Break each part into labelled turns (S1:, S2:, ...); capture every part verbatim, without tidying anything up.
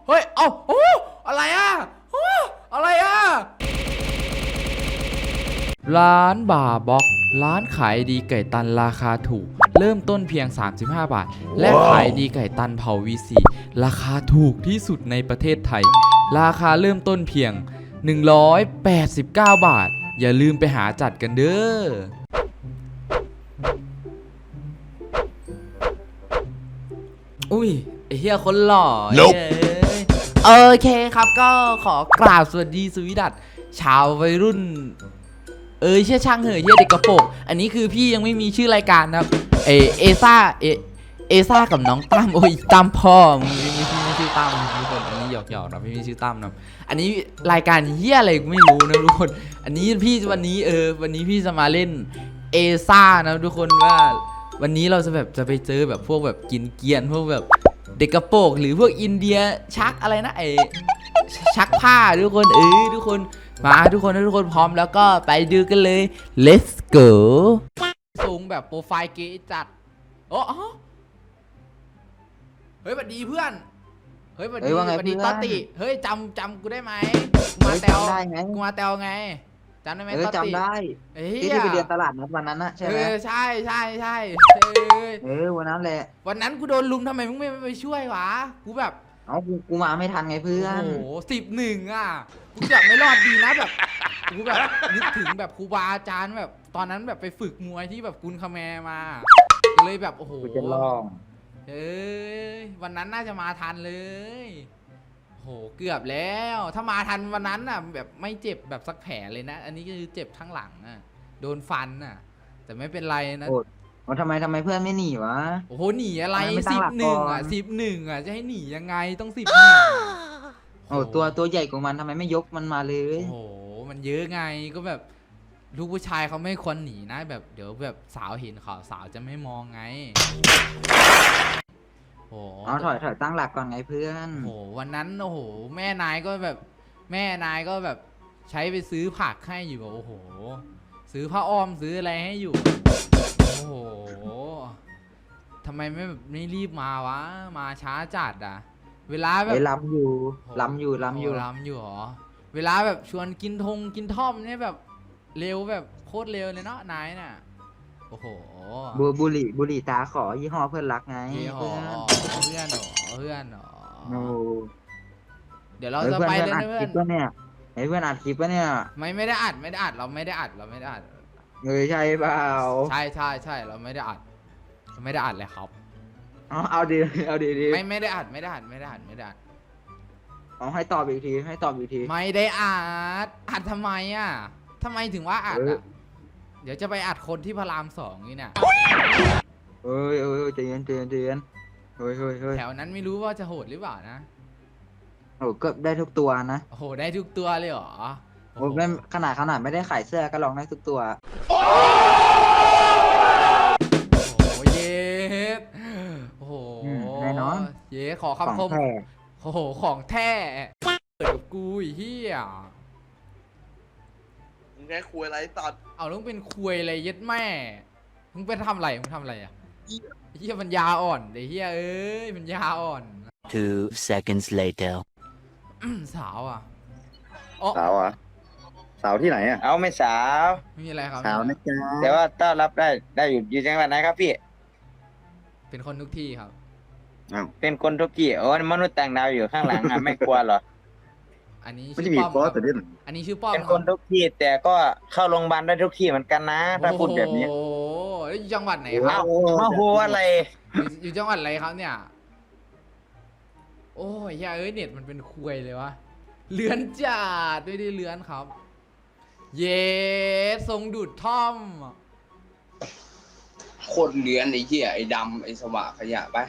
S1: เฮ้ยเอ้าโอ้อะไรอ่ะโอ้อะไรอ่ะร้านบาร์บ็อกร้านขายดีไก่ตันราคาถูกเริ่มต้นเพียงสามสิบห้าบาทและขายดีไก่ตันเผา วี ซี ราคาถูกที่สุดในประเทศไทยราคาเริ่มต้นเพียงหนึ่งร้อยแปดสิบเก้าบาทอย่าลืมไปหาจัดกันเด้ออุ้ยไอ้เหี้ยคนหล่อ nope. โอเคครับก็ขอกราบสวัสดีสวีดัตชาววัยรุ่นเออเชื่อช่างเหอะเหี้ยเด็กกระโปรงอันนี้คือพี่ยังไม่มีชื่อรายการนะครับเอเอซ่าเอเอซ่ากับน้องตั้มโอ้ยตั้มพ่อมึงไม่มีชื่อไม่ชื่อตั้มทุกคนอันนี้หยอกหยอกนะพี่มีชื่อตั้มนะอันนี้รายการเหี้ยอะไรไม่รู้นะทุกคนอันนี้พี่วันนี้เออวันนี้พี่จะมาเล่นเอซ่านะทุกคนว่าวันนี้เราจะแบบจะไปเจอแบบพวกแบบกินเกียนพวกแบบเด็กกระโปรงหรือพวกอินเดียชักอะไรนะไอชักผ้าทุกคนเออทุกคนมาทุกคนทุกคนพร้อมแล้วก็ไปดูกันเลย let's go สูงแบบโปรไฟล์เก๋จัดโอ้เฮ้ยสวัสดีเพื่อนเฮ้ยสวัสดีสวัสดีตอติเฮ้ยจำจำกูได้ไหมกูมาแตวกูมาแตวไงจำได้ไหมตอติจำได้ที่ที่ไปเรียนตลาดนัดวันนั้นนะใช่ไหมใช่ใช่ใช่เออวันนั้นแหละวันนั้นกูโดนลุมทำไมมึงไม่ไปช่วยวะกูแบบเอ้ากูกูมาไม่ทันไงเพื่อนโอ้โหสิบหนึ่งอ่ะกูแบบไม่รอดดีนะแบบกูแบบนึกถึงแบบครูบาอาจารย์แบบตอนนั้นแบบไปฝึกมวยที่แบบกุนคาแมมาเลยแบบโอ้โหกูจะลองเอ้ยวันนั้นน่าจะมาทันเลยโหเกือบแล้วถ้ามาทันวันนั้นน่ะแบบไม่เจ็บแบบสักแผลเลยนะอันนี้คือเจ็บทั้งหลังอ่ะโดนฟันอ่ะแต่ไม่เป็นไรนะโอ้ทำไมทำไมเพื่อนไม่หนีวะโอ้โหหนีอะไรสิบหนึ่งอ่ะสิบหนึ่งอ่ะจะให้หนียังไงต้องสิบหนึ่งโอ้ตัวตัวใหญ่กว่ามันทำไมไม่ยกมันมาเลยโอ้โหมันเยอะไงก็แบบลูกผู้ชายเขาไม่ควรหนีนะแบบเดี๋ยวแบบสาวเห็นเขาสาวจะไม่มองไงโอ้เอาถอยถอยตั้งหลักก่อนไงเพื่อนโอ้วันนั้นโอ้โหแม่นายก็แบบแม่นายก็แบบใช้ไปซื้อผักให้อยู่โอ้โหซื้อผ้าอ้อมซื้ออะไรให้อยู่โอ้โหทำไมไม่แบบไม่รีบมาวะมาช้าจัดอ่ะเวลาแบบล้ำอยู่ล้ำอยู่ล้ำอยู่ล้ำอยู่หรอเวลาแบบชวนกินทงกินท่อมเนี่ยแบบเร็วแบบโคตรเร็วเลยเนาะนายน่ะโอ้โหบุบุหรี่บุหรี่ตาขอยี่ห้อเพื่อนรักไงเพื่อนเพื่อนหรอเพื่อนหรอเดี๋ยวเราจะไปเลยนะเพื่อนเนี่ยไอ้เพื่อนอัดคลิปปะเนี่ยไม่ไม่ได้อัดไม่ได้อัดเราไม่ได้อัดเราไม่ได้อัดเฮ้ยใช่เปล่าใช่ใช่ใช่เราไม่ได้อัดไม่ได้อัดเลยครับเอาเอาดีเอาดีดีไม่ไม่ได้อัดไม่ได้อัดไม่ได้อัดไม่ได้อัดเอาให้ตอบอีกทีให้ตอบอีกทีไม่ได้อัดอัดทำไมอ่ะทำไมถึงว่าอัดอ่ะเดี๋ยวจะไปอัดคนที่พระรามสองนี่เนี่ยเอ้ยเอ้ยใจเย็นใจเย็นใจเย็นเฮ้ยเฮ้ยเฮ้ยแถวนั้นไม่รู้ว่าจะโหดหรือเปล่านะโอ้ก็ได้ทุกตัวนะโอ้โหได้ทุกตัวเลยเหรอโอ้ไม่ขนาดขนาดไม่ได้ขายเสื้อก็ลองได้ทุกตัวโอ้เย้โอ้โหแน่นอนเย้ขอคำคมโอ้โหของแท้เปิดกับกูอีเหี้ยมึงแค่คุยอะไรตัดเอาต้องเป็นคุยอะไรยัดแม่มึงเป็นทำอะไรมึงทำอะไรอ่ะเหี้ยมันยาอ่อนไอ้เหี้ยเอ้ยมันยาอ่อน two seconds later สาวอ่ะสาวอ่ะสาวที่ไหนอ่ะเอาไม่สาวไม่มีอะไรครับสาวนะจ๊ะแต่ว่าต้อนรับได้ได้อยู่อยู่จังหวัดไหนครับพี่เป็นคนทุกที่ครับเป็นคนทุกที่โอ้มนุษย์ต่างดาวอยู่ข้างหลังอ่ะไม่กลัวหรออันนี้ชื่อป้อมครับอันนี้ชื่อป้อมเป็นคนทุกที่แต่ก็เข้าโรงพยาบาลได้ทุกที่เหมือนกันนะถ้าพูดแบบนี้โอ้ยจังหวัดไหนครับมาโหอะไรอยู่จังหวัดอะไรครับเนี่ยโอ้ยอย่าเอ้ยเน็ตมันเป็นคุยเลยวะเลือนจัดด้วยดิเลือนครับเย้ทรงดูดท่อมโคตรเลือนไอ้เหี้ยไอ้ดำไอ้สว่างขยะไป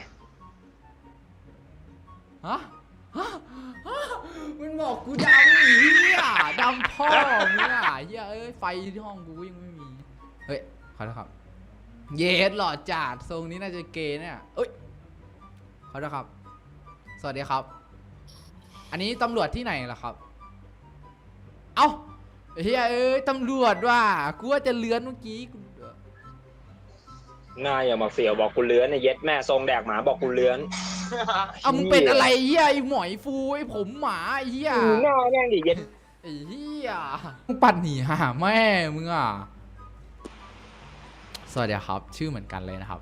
S1: ฮะฮะมันบอกกูดำเหี้ยดำพ่อมึงอ่ะเหี้ยเอ้ยไฟที่ห้องกูยังไม่มีเฮ้ยขอโทษครับเย้หล่อจัดทรงนี้น่าจะเกย์เนี่ยเอ้ยขอโทษครับสวัสดีครับอันนี้ตำรวจที่ไหนล่ะครับเอ้าเฮ้ยเอ้ยตำรวจว่ะกูว่าจะเลื้อนเมื่อกี้นายอย่ามาเสียวบอกกูเลื้อนไอ้เย็ดแม่ทรงแดกหมาบอกกูเลื้อนเอามึงเป็นอะไรเหี้ยไอหมอยฟูไอผมหมาไอเหี้ย
S2: หน้าแม่งดิเย็น
S1: ไอ้เหี้ยมึงปั่นหนีหาแม่มึงอ่ะสวัสดีครับชื่อเหมือนกันเลยนะครับ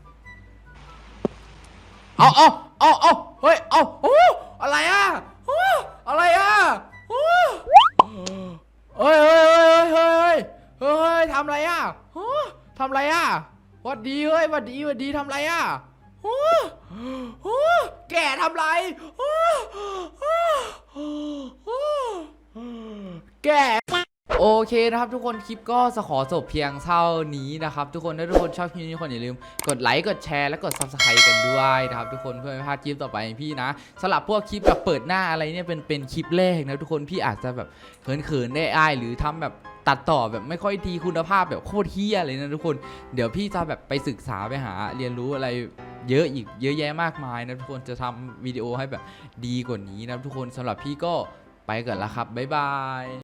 S1: เอาเอาเอาเอาเฮ้ยเอาโอ้อะไรอ่ะโอ้อะไรอ่ะโอ้เฮ้ยเฮ้ยเฮ้ยเฮ้ยเฮ้ยเฮ้ยทำอะไรอ่ะโอ้ทำอะไรอ่ะหวัดดีเฮ้ยหวัดดีหวัดดีทำอะไรอ่ะโอ้โหแกทำไรโอ้โหแกโอเคนะครับทุกคนคลิปก็จะขอจบเพียงเท่านี้นะครับทุกคนถ้าทุกคนชอบคลิปนี้ทุกคนอย่าลืมกดไลค์กดแชร์และกด ซับสไครบ์ กันด้วยนะครับทุกคนเพื่อไม่พลาดคลิปต่อไปพี่นะสำหรับพวกคลิปแบบเปิดหน้าอะไรเนี่ยเป็นเป็นคลิปแรกนะทุกคนพี่อาจจะแบบเขินๆได้อ้ายหรือทำแบบตัดต่อแบบไม่ค่อยดีคุณภาพแบบโคตรเฮี้ยเลยนะทุกคนเดี๋ยวพี่จะแบบไปศึกษาไปหาเรียนรู้อะไรเยอะอีกเยอะแยะมากมายนะทุกคนจะทำวิดีโอให้แบบดีกว่านี้นะทุกคนสำหรับพี่ก็ไปก่อนละครับบ๊ายบาย